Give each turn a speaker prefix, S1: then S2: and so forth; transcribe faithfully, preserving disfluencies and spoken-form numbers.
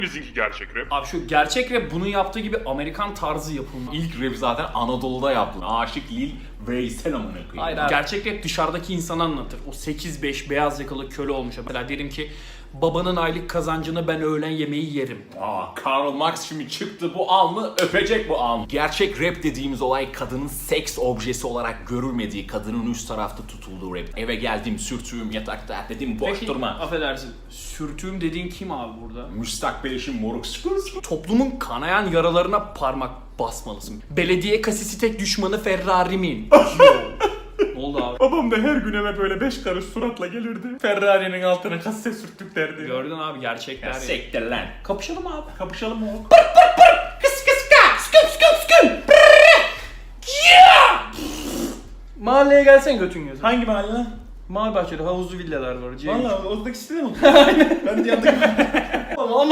S1: Bizimki gerçek rap.
S2: Abi şu gerçek rap bunun yaptığı gibi Amerikan tarzı yapılma.
S3: İlk rap zaten Anadolu'da yaptı. Aşık Lil Veysel amına koyayım.
S2: Hayır abi. Gerçek rap dışarıdaki insanı anlatır. O sekiz beş beyaz yakalı köle olmuş. Mesela derim ki babanın aylık kazancını ben öğlen yemeği yerim.
S3: Aa, Karl Marx şimdi çıktı bu alnı öpecek bu alnı. Gerçek rap dediğimiz olay kadının seks objesi olarak görülmediği, kadının üst tarafta tutulduğu rap. Eve geldim, sürtüğüm, yatakta dedim boş
S2: Peki,
S3: durma.
S2: affedersin. Sürtüğüm dediğin kim abi burada?
S3: Müstakbel eşim moruk sıkıntı.
S2: Toplumun kanayan yaralarına parmak basmalısın. Belediye kasisi tek düşmanı Ferrari'min. Ne oldu abi?
S3: Babam da her gün eve böyle beş karış suratla gelirdi. Ferrari'nin altına kasse sürttük derdi.
S2: Gördün abi gerçekler.
S3: Ya
S2: ya.
S3: sektir lan.
S2: Kapışalım abi.
S3: Kapışalım mı?
S2: Kıs kıs ka. Sküm sküm sküm. Mahalleye gelsen götün gözü.
S3: Hangi mahalle lan?
S2: Mavi bahçede havuzlu villalar var.
S3: Valla oradaki sitede mi? Ben de yanındaki...
S2: Ama